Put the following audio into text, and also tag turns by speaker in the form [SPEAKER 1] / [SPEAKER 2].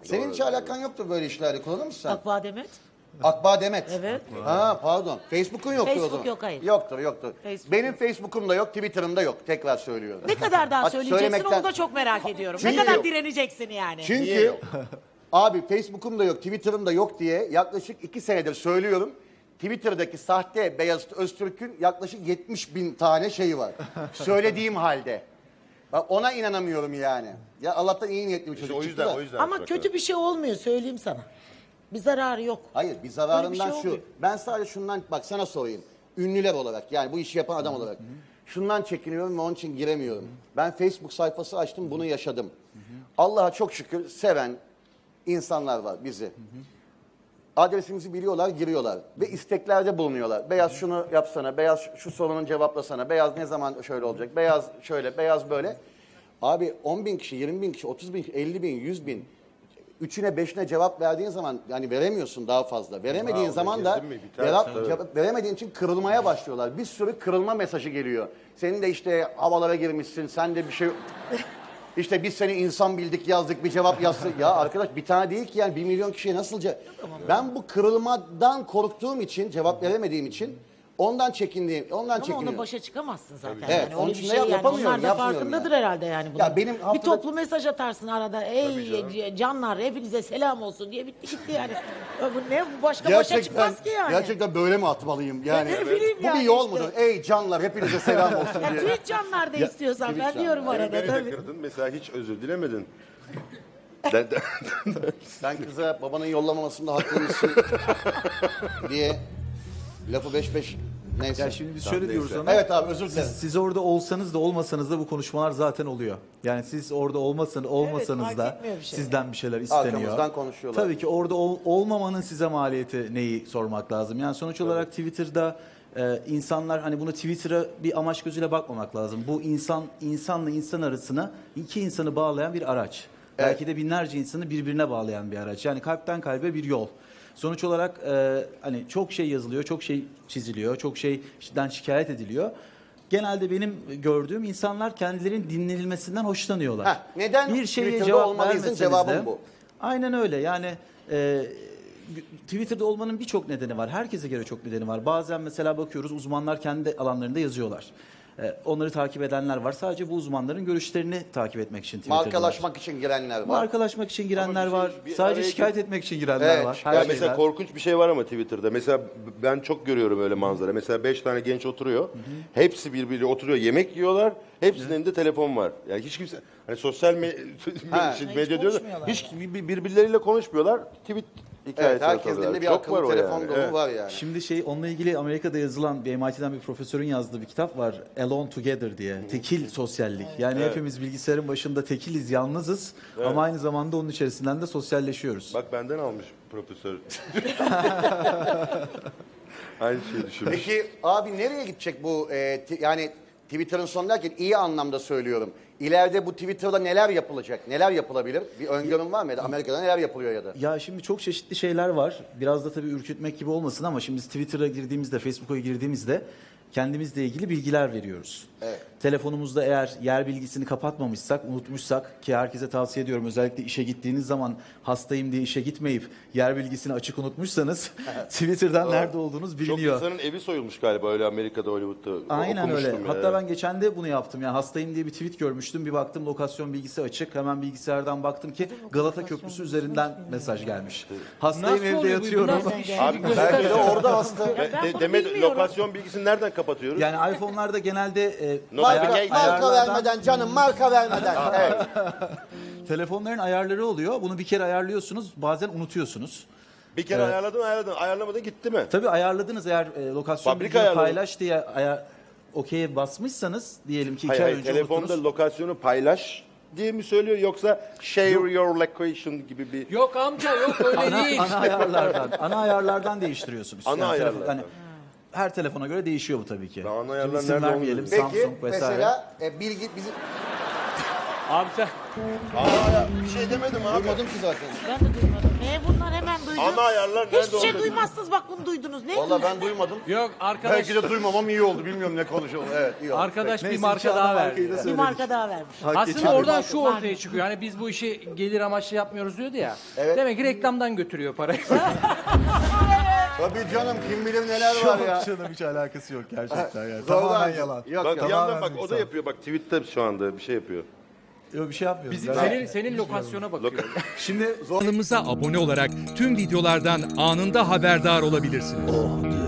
[SPEAKER 1] Senin hiç alakan yoktur böyle işlerle. Kullanır mısın sen?
[SPEAKER 2] Akbağ Demet.
[SPEAKER 1] Akbağ Demet.
[SPEAKER 2] Evet.
[SPEAKER 1] Ha pardon. Facebook'un yoktur o
[SPEAKER 2] Facebook
[SPEAKER 1] zaman.
[SPEAKER 2] yok, hayır.
[SPEAKER 1] Yoktur.
[SPEAKER 2] Facebook
[SPEAKER 1] Benim Facebook'um da yok, Twitter'ım da yok. Tekrar söylüyorum.
[SPEAKER 2] Ne kadar daha
[SPEAKER 1] Bak,
[SPEAKER 2] söyleyeceksin
[SPEAKER 1] söylemekten-
[SPEAKER 2] onu da çok merak ediyorum.
[SPEAKER 1] Çünkü-
[SPEAKER 2] Ne kadar direneceksin yani?
[SPEAKER 1] Çünkü abi Facebook'um da yok, Twitter'ım da yok diye yaklaşık 2 senedir söylüyorum. Twitter'daki sahte Beyazıt Öztürk'ün yaklaşık 70.000 tane şeyi var. Söylediğim halde. Bak ona inanamıyorum yani. Ya Allah'tan iyi niyetli bir çocuk
[SPEAKER 3] O
[SPEAKER 1] çıktı
[SPEAKER 3] yüzden,
[SPEAKER 1] da.
[SPEAKER 3] o yüzden.
[SPEAKER 2] Ama kötü bir şey olmuyor söyleyeyim sana. Bir zararı yok.
[SPEAKER 1] Hayır bir zararından
[SPEAKER 2] Öyle bir şey
[SPEAKER 1] şu.
[SPEAKER 2] olmuyor.
[SPEAKER 1] Ben sadece şundan bak sana sorayım. Ünlüler olarak yani bu işi yapan adam olarak. Şundan çekiniyorum ve onun için giremiyorum. Ben Facebook sayfası açtım bunu yaşadım. Allah'a çok şükür seven insanlar var bizi. Adresimizi biliyorlar, giriyorlar ve isteklerde bulunuyorlar. Beyaz şunu yapsana, beyaz şu sorunun cevaplasana, beyaz ne zaman şöyle olacak, beyaz şöyle, beyaz böyle. Abi 10.000 kişi, 20.000 kişi, 30.000 kişi, 50.000, 100.000 üçüne beşine cevap verdiğin zaman yani veremiyorsun daha fazla. Veremediğin zaman da
[SPEAKER 3] girdin mi biter,
[SPEAKER 1] cevap veremediğin için kırılmaya başlıyorlar. Bir sürü kırılma mesajı geliyor. Senin de işte havalara girmişsin, sen de bir şey... İşte biz seni insan bildik yazdık bir cevap yazsın. Ya arkadaş bir tane değil ki yani 1 milyon kişiye nasılca... Ben bu kırılmadan korktuğum için, cevap veremediğim için ondan çekindiğim, ondan
[SPEAKER 2] Ama
[SPEAKER 1] çekiniyorum.
[SPEAKER 2] ona başa çıkamazsın zaten.
[SPEAKER 1] Evet,
[SPEAKER 2] Yani
[SPEAKER 1] onun
[SPEAKER 2] öyle
[SPEAKER 1] için
[SPEAKER 2] bir
[SPEAKER 1] de
[SPEAKER 2] şey yani.
[SPEAKER 1] yapamıyorum,
[SPEAKER 2] Onlar da
[SPEAKER 1] yapmıyorum
[SPEAKER 2] farkındadır
[SPEAKER 1] yani.
[SPEAKER 2] herhalde yani. Bunun.
[SPEAKER 1] Ya benim
[SPEAKER 2] Bir
[SPEAKER 1] haftada-
[SPEAKER 2] toplu mesaj atarsın arada. Ey canlar hepinize selam olsun diye bitti gitti yani. Ya bu ne? Bu başka başa çıkmaz ki yani.
[SPEAKER 1] Gerçekten böyle mi atmalıyım? Yani
[SPEAKER 2] ne bileyim
[SPEAKER 1] bu bir
[SPEAKER 2] yani
[SPEAKER 1] yol
[SPEAKER 2] işte.
[SPEAKER 1] mudur? Ey canlar hepinize selam olsun
[SPEAKER 2] Ya
[SPEAKER 1] diye.
[SPEAKER 2] tweet canlar da istiyorsan ben
[SPEAKER 1] tweet
[SPEAKER 2] diyorum
[SPEAKER 3] Beni
[SPEAKER 2] arada
[SPEAKER 3] de
[SPEAKER 2] tabii.
[SPEAKER 3] kırdın. Mesela hiç özür dilemedin.
[SPEAKER 1] Sen kıza babanın yollamamasında haklıymışsın diye lafı 5-5 neyse.
[SPEAKER 4] Ya şimdi biz şöyle diyoruz ama
[SPEAKER 1] Evet abi özür dilerim.
[SPEAKER 4] siz orada olsanız da olmasanız da bu konuşmalar zaten oluyor. Yani siz orada olmasanız
[SPEAKER 2] fark
[SPEAKER 4] da
[SPEAKER 2] etmiyor bir şey.
[SPEAKER 4] sizden bir şeyler isteniyor.
[SPEAKER 1] Arkamızdan konuşuyorlar.
[SPEAKER 4] Tabii ki orada olmamanın size maliyeti neyi sormak lazım. Yani sonuç olarak Twitter'da insanlar hani bunu Twitter'a bir amaç gözüyle bakmamak lazım. Bu insanla insan arasına iki insanı bağlayan bir araç.
[SPEAKER 1] Evet.
[SPEAKER 4] Belki de binlerce insanı birbirine bağlayan bir araç. Yani kalpten kalbe bir yol. Sonuç olarak hani çok şey yazılıyor, çok şey çiziliyor, çok şeyden şikayet ediliyor. Genelde benim gördüğüm insanlar kendilerinin dinlenilmesinden hoşlanıyorlar.
[SPEAKER 1] Heh, neden
[SPEAKER 4] bir şeye
[SPEAKER 1] Twitter'da
[SPEAKER 4] cevap
[SPEAKER 1] olmalıyızın
[SPEAKER 4] vermeseniz
[SPEAKER 1] cevabım
[SPEAKER 4] de,
[SPEAKER 1] bu.
[SPEAKER 4] Aynen öyle. Yani Twitter'da olmanın birçok nedeni var. Herkese göre çok nedeni var. Bazen mesela bakıyoruz uzmanlar kendi alanlarında yazıyorlar. Onları takip edenler var. Sadece bu uzmanların görüşlerini takip etmek için Twitter'da.
[SPEAKER 1] Markalaşmak için girenler var.
[SPEAKER 4] Markalaşmak için girenler
[SPEAKER 3] Ama
[SPEAKER 4] var.
[SPEAKER 3] bir
[SPEAKER 4] Sadece
[SPEAKER 3] araya
[SPEAKER 4] şikayet etmek için girenler
[SPEAKER 1] Evet,
[SPEAKER 4] var.
[SPEAKER 1] şikayet-
[SPEAKER 3] Ya
[SPEAKER 4] Her
[SPEAKER 3] mesela
[SPEAKER 4] şeyden.
[SPEAKER 3] korkunç bir şey var ama Twitter'da. Mesela ben çok görüyorum öyle manzara. Mesela 5 tane genç oturuyor. Hepsi birbiriyle oturuyor. Yemek yiyorlar. Hepsinin elinde telefon var. Yani hiç kimse hani sosyal medya diyorlar.
[SPEAKER 2] konuşmuyorlar
[SPEAKER 3] Hiç birbirleriyle konuşmuyorlar. Tweet hikayesi
[SPEAKER 1] Evet herkesin
[SPEAKER 3] atıyorlar.
[SPEAKER 1] elinde bir
[SPEAKER 3] Çok
[SPEAKER 1] akıllı
[SPEAKER 3] var o
[SPEAKER 1] telefon
[SPEAKER 3] yani.
[SPEAKER 1] dolu
[SPEAKER 3] Evet.
[SPEAKER 1] var yani.
[SPEAKER 4] Şimdi onunla ilgili Amerika'da yazılan bir MIT'den bir profesörün yazdığı bir kitap var. Alone Together diye. Tekil sosyallik. Yani hepimiz bilgisayarın başında tekiliz, yalnızız ama aynı zamanda onun içerisinden de sosyalleşiyoruz.
[SPEAKER 3] Bak benden almış profesör. Aynı şeyi düşünmüş.
[SPEAKER 1] Peki abi nereye gidecek bu yani Twitter'ın sonu derken iyi anlamda söylüyorum. İleride bu Twitter'da neler yapılacak? Neler yapılabilir? Bir öngörün var mı ya da Amerika'da neler yapılıyor ya da?
[SPEAKER 4] Ya şimdi çok çeşitli şeyler var. Biraz da tabii ürkütmek gibi olmasın ama şimdi biz Twitter'a girdiğimizde, Facebook'a girdiğimizde kendimizle ilgili bilgiler veriyoruz.
[SPEAKER 1] Evet.
[SPEAKER 4] Telefonumuzda eğer yer bilgisini kapatmamışsak, unutmuşsak ki herkese tavsiye ediyorum özellikle işe gittiğiniz zaman hastayım diye işe gitmeyip yer bilgisini açık unutmuşsanız Twitter'dan nerede olduğunuz
[SPEAKER 3] Çok
[SPEAKER 4] biliniyor.
[SPEAKER 3] insanın evi soyulmuş galiba öyle Amerika'da, Hollywood'da.
[SPEAKER 4] Aynen öyle.
[SPEAKER 3] Okumuştum ya.
[SPEAKER 4] Hatta ben geçen de bunu yaptım. Yani hastayım diye bir tweet görmüştüm. Bir baktım lokasyon bilgisi açık. Hemen bilgisayardan baktım ki Galata Köprüsü üzerinden mesaj gelmiş. Hastayım
[SPEAKER 5] Nasıl
[SPEAKER 4] evde
[SPEAKER 5] oluyor bu?
[SPEAKER 4] yatıyorum.
[SPEAKER 5] Nasıl yani?
[SPEAKER 3] Abi
[SPEAKER 1] Belki de orada hasta.
[SPEAKER 2] Ben bunu
[SPEAKER 3] Demet
[SPEAKER 2] bilmiyorum.
[SPEAKER 3] lokasyon bilgisini nereden kapatıyoruz?
[SPEAKER 4] Yani iPhone'larda genelde
[SPEAKER 1] Marka vermeden canım marka vermeden. Evet.
[SPEAKER 4] telefonların ayarları oluyor. Bunu bir kere ayarlıyorsunuz. Bazen unutuyorsunuz.
[SPEAKER 3] Bir kere ayarladın. Ayarlamadın gitti mi?
[SPEAKER 4] Tabii ayarladınız eğer lokasyon
[SPEAKER 3] Fabrika
[SPEAKER 4] bilgisini
[SPEAKER 3] ayarları.
[SPEAKER 4] paylaş diye okey'e basmışsanız diyelim ki 2
[SPEAKER 3] Hayır,
[SPEAKER 4] ay
[SPEAKER 3] hayır,
[SPEAKER 4] önce
[SPEAKER 3] telefonda
[SPEAKER 4] unuttunuz.
[SPEAKER 3] lokasyonu paylaş diye mi söylüyor yoksa share your location gibi bir...
[SPEAKER 5] Yok amca yok öyle değil.
[SPEAKER 4] Ana ayarlardan değiştiriyorsunuz.
[SPEAKER 3] Ana ayarlardan.
[SPEAKER 4] hani her telefona göre değişiyor bu tabii ki.
[SPEAKER 3] Ana
[SPEAKER 4] Şimdi
[SPEAKER 3] ayarlar
[SPEAKER 4] isim
[SPEAKER 3] nerede
[SPEAKER 4] vermeyelim.
[SPEAKER 3] onu
[SPEAKER 1] Peki
[SPEAKER 4] Samsung vesaire.
[SPEAKER 1] mesela bilgi bizim
[SPEAKER 5] Abi sen
[SPEAKER 3] Bir şey demedim abi.
[SPEAKER 1] Duymadım ki zaten.
[SPEAKER 2] Ben de duymadım. Bunlar hemen duydum.
[SPEAKER 3] Ana ayarlar nerede
[SPEAKER 2] Hiçbir şey
[SPEAKER 3] oldu?
[SPEAKER 2] duymazsınız bak bunu duydunuz. Ne
[SPEAKER 1] Valla ben duymadım.
[SPEAKER 5] Yok arkadaş,
[SPEAKER 1] Belki de duymamam iyi oldu. Bilmiyorum ne konuşalım. Evet iyi oldu.
[SPEAKER 5] arkadaş bir
[SPEAKER 4] Neyse,
[SPEAKER 5] marka
[SPEAKER 4] inşallah
[SPEAKER 5] daha
[SPEAKER 4] markayı
[SPEAKER 5] verdi.
[SPEAKER 4] da
[SPEAKER 2] Bir
[SPEAKER 4] söyledik.
[SPEAKER 2] marka daha vermiş.
[SPEAKER 5] Aslında oradan şu ortaya çıkıyor. Hani biz bu işi gelir amaçlı yapmıyoruz diyordu ya.
[SPEAKER 1] Evet.
[SPEAKER 5] Demek ki reklamdan götürüyor parayı.
[SPEAKER 1] Tabii canım kim bilir neler var ya.
[SPEAKER 4] Yok canım hiç alakası yok gerçekten yani.
[SPEAKER 1] Zorla-
[SPEAKER 4] Tamamen yalan.
[SPEAKER 1] Yok
[SPEAKER 3] Bak
[SPEAKER 1] yok.
[SPEAKER 3] bir yandan bak
[SPEAKER 4] Tamamen
[SPEAKER 3] o da yapıyor. Bak tweette şu anda bir şey yapıyor.
[SPEAKER 4] Yok bir şey yapmıyorum.
[SPEAKER 5] Bizim senin lokasyona bakıyor.
[SPEAKER 4] Şimdi
[SPEAKER 6] Kanalımıza abone olarak tüm videolardan anında haberdar olabilirsiniz.